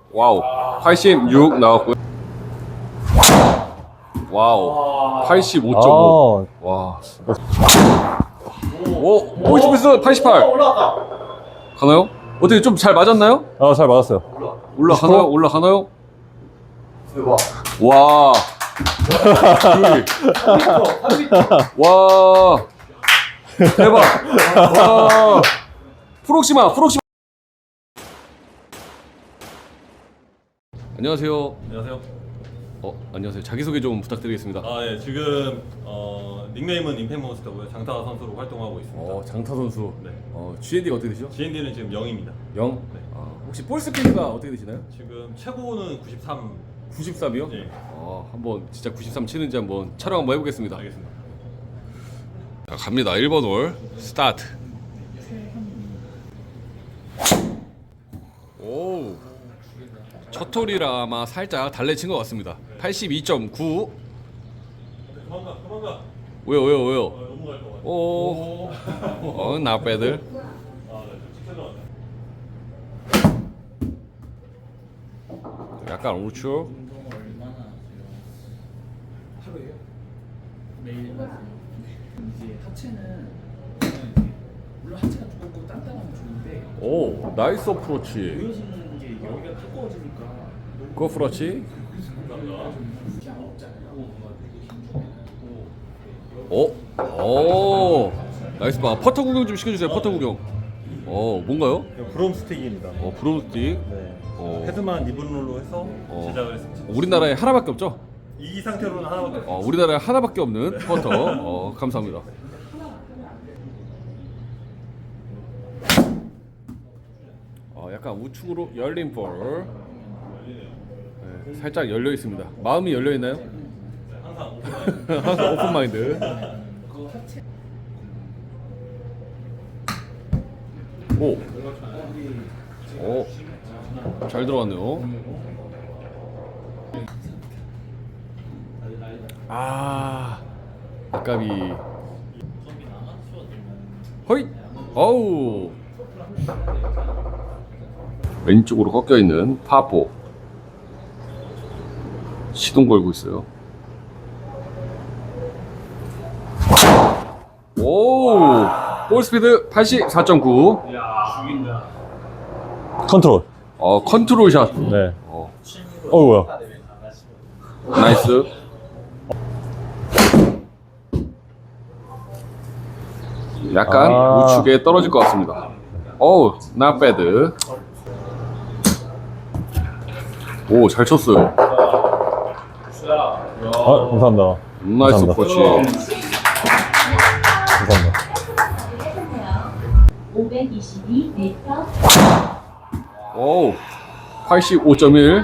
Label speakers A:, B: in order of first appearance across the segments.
A: 와우. 86 나왔고요. 와우. 85.5. 와. 오, 보이스피스 88. 가나요? 어떻게 좀 잘 맞았나요?
B: 잘 맞았어요.
A: 올라가나요? 올라가나요? 와. 와. 대박. 와. 프록시마. 안녕하세요.
C: 안녕하세요.
A: 안녕하세요. 자기소개 좀 부탁드리겠습니다.
C: 예, 지금 닉네임은 임팩몬스터고요. 장타 선수로 활동하고 있습니다.
A: 장타 선수.
C: 네.
A: GND가 어떻게 되시죠?
C: GND는 지금 0입니다.
A: 0?
C: 네.
A: 혹시 볼 스피드가 어떻게 되시나요?
C: 지금 최고는 93.
A: 93이요?
C: 네.
A: 한번 진짜 93 치는지 한번 촬영 한번 해보겠습니다.
C: 알겠습니다.
A: 자, 갑니다. 1번 홀 스타트. 오. 첫 홀이라 아마 살짝 달래친 것 같습니다. 82.9.
C: 도망가.
A: 왜요?
C: 너무 갈 것 같아.
A: 오. not bad.
C: 네, 직선으로 왔네.
A: 약간 우측.
D: 운동을 얼마나 하세요? 하루에요? 매일 이제 하체는 물론 하체가 두껍고 단단하면 좋은데
A: 오, 나이스 어프로치.
D: 보여지는 게 여기가 두꺼워지니까
A: 그 어프로치.
D: 그냥 없잖아요.
A: 오, 나이스 바. 퍼터 구경 좀 시켜주세요. 퍼터 구경. 뭔가요?
C: 브롬 스틱입니다.
A: 브로스틱.
C: 네.
A: 어.
C: 헤드만 리본롤로 해서 제작을 했습니다.
A: 우리나라에 하나밖에 없죠?
C: 이 상태로는 하나밖에 없어요.
A: 우리나라에 하나밖에 없는 퍼터. 감사합니다. 약간 우측으로 열린 볼. 네, 살짝 열려 있습니다. 마음이 열려 있나요? 항상 오픈 마인드. 오, 잘 들어갔네요. 아까비. 허이. 어우. 왼쪽으로 꺾여 있는 파4. 시동 걸고 있어요. 오, 볼 스피드 84.9.
B: 컨트롤.
A: 컨트롤 샷.
B: 네. 뭐야.
A: 나이스. 약간 우측에 떨어질 것 같습니다. not bad. 오, 잘 쳤어요.
B: 감사합니다.
A: 나이스
B: 감사합니다.
A: 코치.
B: 감사합니다.
E: 522m.
A: 오, 85.1.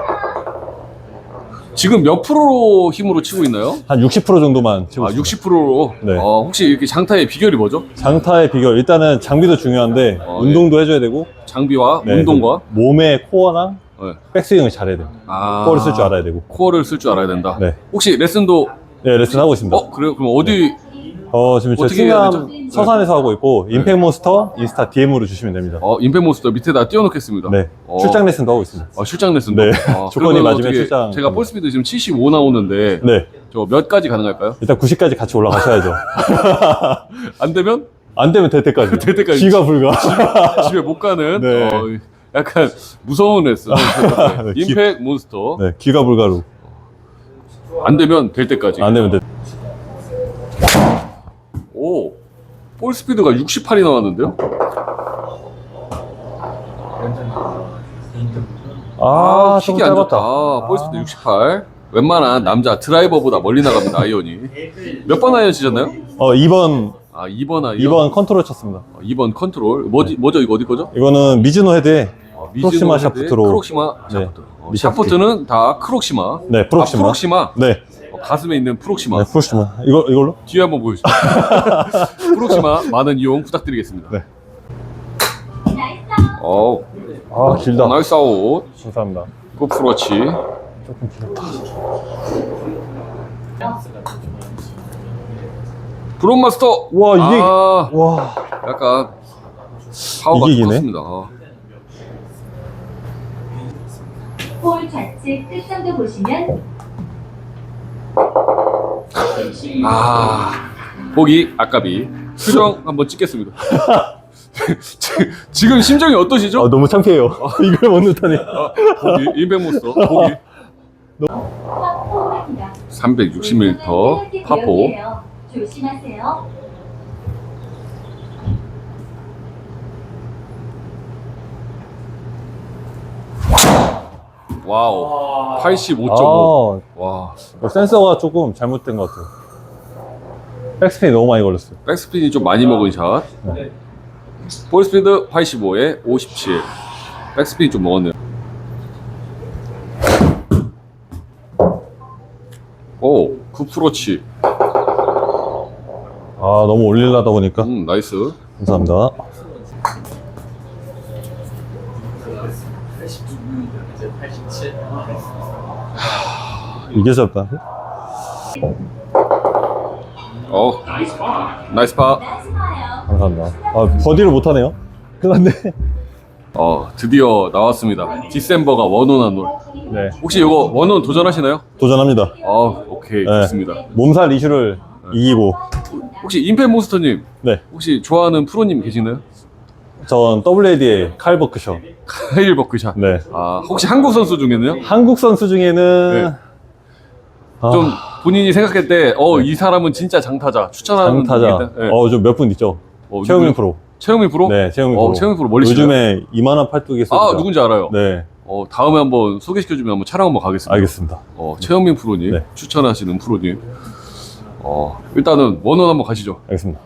A: 지금 몇 프로 힘으로 치고 있나요?
B: 한 60% 정도만 치고 있습니다.
A: 60%로.
B: 네.
A: 혹시 이렇게 장타의 비결이 뭐죠?
B: 장타의 비결. 일단은 장비도 중요한데 운동도 해줘야 되고
A: 장비와
B: 네,
A: 운동과
B: 그 몸의 코어랑
A: 네.
B: 백스윙을 잘해야 돼요. 코어를 쓸 줄 알아야 되고.
A: 코어를 쓸 줄 알아야 된다.
B: 네.
A: 혹시 레슨도
B: 네, 레슨 하고 있습니다.
A: 그래요? 그럼 어디
B: 지금 저
A: 어떻게 해야
B: 충남
A: 되죠?
B: 서산에서 하고 있고 임팩몬스터 인스타 DM으로 주시면 됩니다.
A: 임팩몬스터 밑에다 띄워놓겠습니다.
B: 네. 출장 레슨도 하고 있습니다.
A: 출장 레슨도.
B: 네. 조건이
A: 그러면
B: 맞으면
A: 어떻게
B: 출장.
A: 제가 볼 스피드 지금 75 나오는데
B: 네.
A: 저 몇 가지 가능할까요?
B: 일단 90까지 같이 올라가셔야죠.
A: 안 되면
B: 안 되면 될 때까지.
A: 될 때까지.
B: 귀가 불가.
A: 집에 못 가는
B: 네.
A: 약간 무서운 레슨.
B: 네,
A: 임팩 몬스터.
B: 네, 귀가 불가로.
A: 안 되면 될 때까지.
B: 안 되면 돼.
A: 오, 볼 스피드가 68이 나왔는데요?
B: 좀
A: 킥이 안
B: 짧았다.
A: 좋다. 볼 스피드 68. 웬만한 남자 드라이버보다 멀리 나갑니다. 아이언이. 몇 번 아이언 치셨나요?
B: 2번
A: 2번 아이언.
B: 2번 컨트롤 쳤습니다.
A: 2번 컨트롤. 뭐죠? 이거 어디 거죠?
B: 이거는 미즈노 헤드에
A: 미즈노
B: 크록시마
A: 헤드의
B: 샤프트로.
A: 크록시마
B: 네.
A: 샤프트.
B: 미샤프트.
A: 샤프트는 다 크록시마.
B: 네, 프록시마.
A: 프록시마.
B: 네.
A: 가슴에 있는 프록시마.
B: 네, 프록시마. 이걸로?
A: 뒤에 한번 보여주세요. 프록시마 많은 이용 부탁드리겠습니다.
B: 네. 길다.
A: 나이스 아웃.
B: 감사합니다.
A: 굿프로치.
B: 조금 길었다.
A: 브론마스터.
B: 와, 이게 와.
A: 약간 파워가
B: 이게 이기네?
A: 컸습니다.
E: 볼 좌측 끝선도 보시면
A: 보기 아까비 수정 한번 찍겠습니다. 지금 심정이 어떠시죠?
B: 아, 너무 창피해요. 이걸 못 넣다니.
A: 보기 인백몬스터 보기
E: 파포입니다.
A: 360m 파포.
E: 조심하세요.
A: 와우 85.5. 와
B: 센서가 조금 잘못된 것 같아요. 백스핀이 너무 많이 걸렸어요.
A: 백스핀이 좀 많이 먹은 샷. 볼스피드 85에 57. 백스핀이 좀 먹었네요. 오, 9%치.
B: 아, 너무 올리려다 보니까.
A: 나이스.
B: 감사합니다.
D: 86면 이제 87.
B: 이게 짧다.
A: 나이스 파.
E: 나이스 봐요.
B: 감사합니다. 아, 버디를 못하네요. 끝났네.
A: 드디어 나왔습니다. 디셈버가 원온한 롤.
B: 네.
A: 혹시 이거 원온 도전하시나요?
B: 도전합니다.
A: 오케이.
B: 네.
A: 좋습니다.
B: 몸살 이슈를 이기고.
A: 혹시 임팩몬스터님,
B: 네.
A: 혹시 좋아하는 프로님 계시나요?
B: 전 WAD의 칼 버크셔.
A: 카일 버크샷.
B: 네.
A: 혹시 한국 선수 중에는요?
B: 한국 선수 중에는
A: 네.
B: 아,
A: 좀 본인이 생각할 때, 이 사람은 진짜 장타자. 추천하는
B: 장타자.
A: 분이 있다? 네.
B: 좀 몇 분 있죠. 최영민
A: 누구요?
B: 프로.
A: 최영민 프로?
B: 네, 최영민 프로.
A: 최영민 프로 멀리 치나요?
B: 요즘에 이만한 팔뚝이 쏘죠.
A: 누군지 알아요.
B: 네,
A: 다음에 한번 소개시켜주면 한번 촬영 한번 가겠습니다.
B: 알겠습니다.
A: 최영민 프로님,
B: 네.
A: 추천하시는 프로님. 일단은 원원 한번 가시죠.
B: 알겠습니다.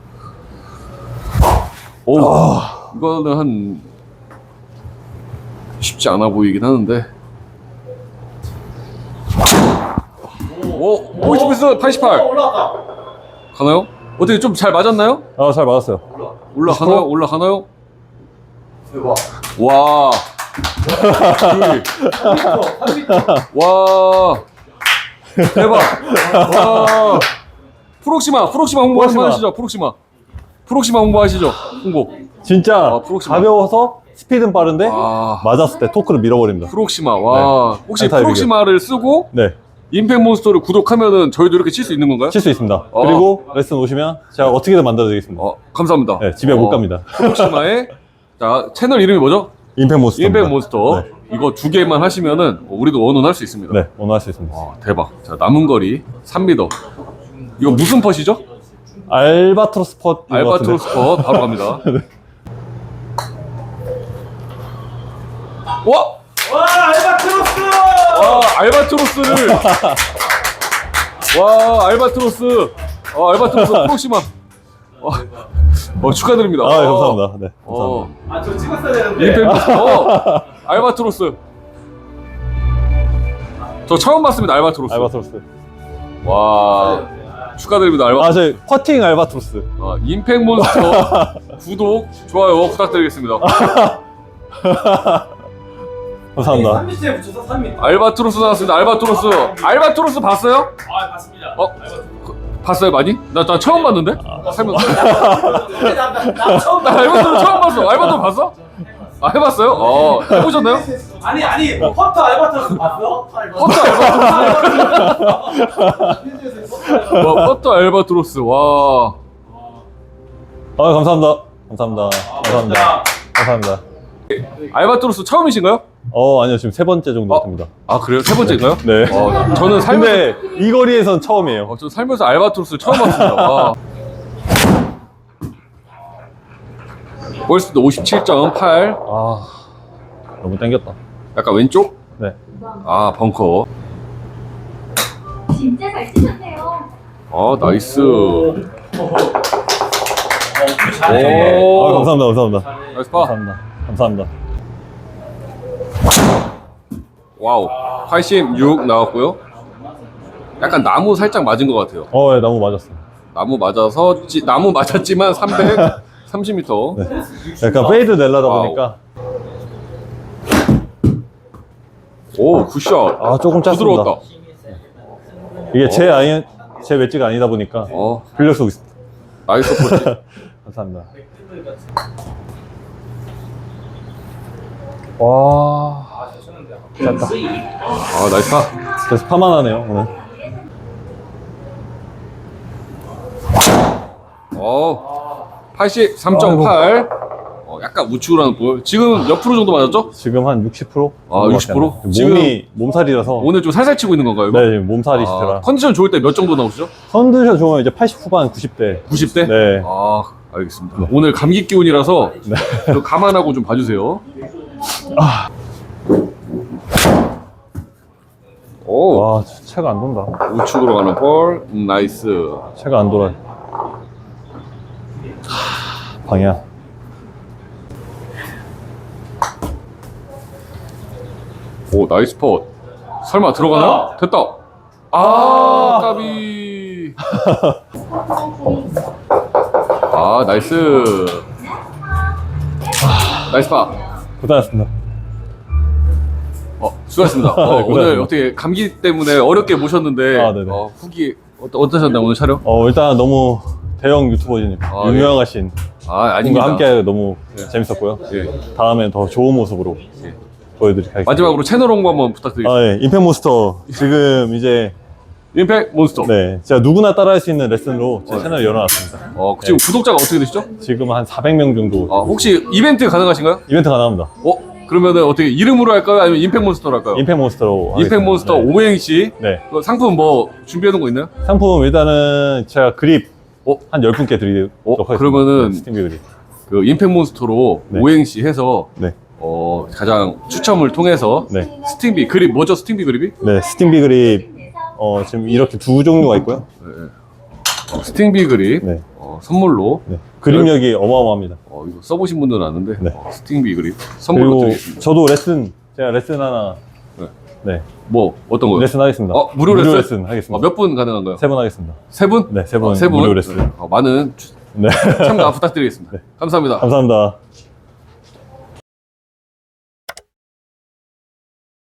A: 이거는 한 쉽지 않아 보이긴 하는데. 보이스피스 88
D: 올라왔다.
A: 가나요? 어떻게 좀 잘 맞았나요?
B: 아, 잘 맞았어요.
A: 올라가나요? 올라가나요? 와. 와. 대박. 와. 프록시마 홍보 한번 하시죠. 프록시마 홍보하시죠. 홍보.
B: 진짜
A: 프록시마.
B: 가벼워서 스피드는 빠른데 맞았을 때 토크를 밀어버립니다.
A: 프록시마. 와.
B: 네.
A: 혹시
B: 안타
A: 프록시마를 쓰고
B: 네,
A: 임팩몬스터를 구독하면은 저희도 이렇게 칠 수 있는 건가요?
B: 칠 수 있습니다. 그리고 레슨 오시면 제가 어떻게든 만들어드리겠습니다.
A: 감사합니다.
B: 네, 집에 못 갑니다.
A: 프록시마의 자 채널 이름이 뭐죠?
B: 임팩몬스터.
A: 임팩몬스터.
B: 네.
A: 이거 2개만 하시면은 우리도 원원할 수 있습니다.
B: 네, 오늘 할 수 있습니다.
A: 대박. 자, 남은 거리 3m. 이거 무슨 펫이죠?
B: 알바트로스 펫.
A: 알바트로스 펫 바로 갑니다. 와!
D: 알바트로스!
A: 알바트로스를 알바트로스 프록시마. 축하드립니다.
B: 감사합니다. 네, 감사합니다.
D: 저 찍었어야 되는데.
A: 임팩몬스터. 알바트로스. 저 처음 봤습니다. 알바트로스.
B: 알바트로스.
A: 와. 축하드립니다.
B: 저희 퍼팅 알바트로스.
A: 임팩몬스터 구독, 좋아요 부탁드리겠습니다.
B: 감사합니다.
D: 3m에 붙여서 3m.
A: 알바트로스 나왔습니다. 알바트로스 봤어요?
D: 봤습니다.
A: 봤어요 많이? 나 처음 봤는데? 살면서.
D: 나 처음
A: 나 알바트로스 처음 봤어. 알바트로스 봤어? 해봤어요? 해보셨나요?
D: 아니 퍼터 알바트로스 봤어?
A: 퍼터 알바트로스 와.
B: 감사합니다. 감사합니다.
A: 알바트로스 처음이신가요?
B: 아니요, 지금 세 번째 정도 됩니다.
A: 그래요? 세 번째인가요?
B: 네.
A: 저는 살면서
B: 근데 이 거리에선 처음이에요.
A: 저는 살면서 알바트로스를 처음 봤습니다. 와. 볼스피드 57.8.
B: 너무 땡겼다.
A: 약간 왼쪽?
B: 네.
A: 벙커.
E: 진짜 잘 치셨네요.
A: 나이스.
D: 잘해.
B: 감사합니다.
A: 나이스 파.
B: 감사합니다.
A: 와우. 86 나왔고요. 약간 나무 살짝 맞은 것 같아요.
B: 네, 너무 맞았어요.
A: 나무 맞았지만 330m.
B: 네. 약간 페이드 내려다 보니까.
A: 오, 굿샷.
B: 조금 짰습니다.
A: 부드러웠다.
B: 이게 제 웨지가 아니다 보니까 빌려 쓰고 있습니다.
A: 나이스 포치.
B: 감사합니다. 와. 짧다.
A: 아, 나이스 파.
B: 그래서 파만 하네요, 오늘.
A: 83.8. 약간 우측으로 하는 볼. 지금 몇 프로 정도 맞았죠?
B: 지금 한 60%?
A: 아, 60%?
B: 몸이,
A: 지금
B: 몸살이라서.
A: 오늘 좀 살살 치고 있는 건가요? 이거?
B: 네, 지금 몸살이시더라.
A: 컨디션 좋을 때 몇 정도 나오시죠?
B: 컨디션 좋으면 이제 80 후반, 90대.
A: 90대?
B: 네.
A: 아, 알겠습니다. 오늘 감기 기운이라서 좀 감안하고 좀 봐주세요. 오,
B: 와, 채가 안 돈다.
A: 우측으로 가는 볼. 나이스.
B: 채가 안 돌아. 방향.
A: 오, 나이스 펫. 설마 들어가나? 됐다. 아, 까비. 아, 나이스. 나이스 파.
B: 고생하셨습니다.
A: 수고하셨습니다. 오늘
B: 고생하셨습니다.
A: 어떻게 감기 때문에 어렵게 모셨는데
B: 아, 네네.
A: 후기 어떠셨나요, 오늘 촬영?
B: 일단 너무 대형 유튜버님,
A: 아,
B: 유명하신
A: 아,
B: 분과
A: 아닙니다.
B: 함께 너무 재밌었고요.
A: 예.
B: 다음엔 더 좋은 모습으로
A: 예.
B: 보여드리도록 하겠습니다.
A: 마지막으로 채널 홍보 한번 부탁드리겠습니다.
B: 예. 임팩몬스터. 지금 이제,
A: 임팩 몬스터.
B: 네. 제가 누구나 따라할 수 있는 레슨으로 제 채널을 열어놨습니다.
A: 지금 구독자가 어떻게 되시죠?
B: 지금 한 400명 정도.
A: 혹시 이벤트 가능하신가요?
B: 이벤트 가능합니다.
A: 그러면은 어떻게 이름으로 할까요? 아니면 임팩 몬스터로 할까요?
B: 임팩몬스터로.
A: 임팩 몬스터
B: 네.
A: 오행시.
B: 네.
A: 그 상품 뭐 준비해 놓은 거 있나요?
B: 상품 일단은 제가 그립 한 10분께 드리도록 하겠습니다.
A: 그러면은
B: 네, 스팀비 그립.
A: 그 임팩 몬스터로
B: 네.
A: 오행시 해서
B: 네.
A: 가장 추첨을 통해서
B: 네.
A: 스팅비 그립 뭐죠? 스팅비 그립이?
B: 네, 스팀비 그립. 지금 이렇게 두 종류가 있고요.
A: 스팅비 그립
B: 네.
A: 선물로
B: 네. 그립력이 어마어마합니다.
A: 이거 써보신 분들은 아는데
B: 네.
A: 스팅비 그립 선물로
B: 그리고
A: 드리겠습니다.
B: 저도 제가 레슨 하나.
A: 네.
B: 네.
A: 뭐 어떤 거요?
B: 레슨 하겠습니다.
A: 무료 레슨?
B: 하겠습니다.
A: 몇 분 가능한가요?
B: 3분 하겠습니다.
A: 세 분?
B: 네, 세 분
A: 세 분?
B: 무료 레슨.
A: 많은
B: 네.
A: 참가 부탁드리겠습니다. 감사합니다.
B: 감사합니다.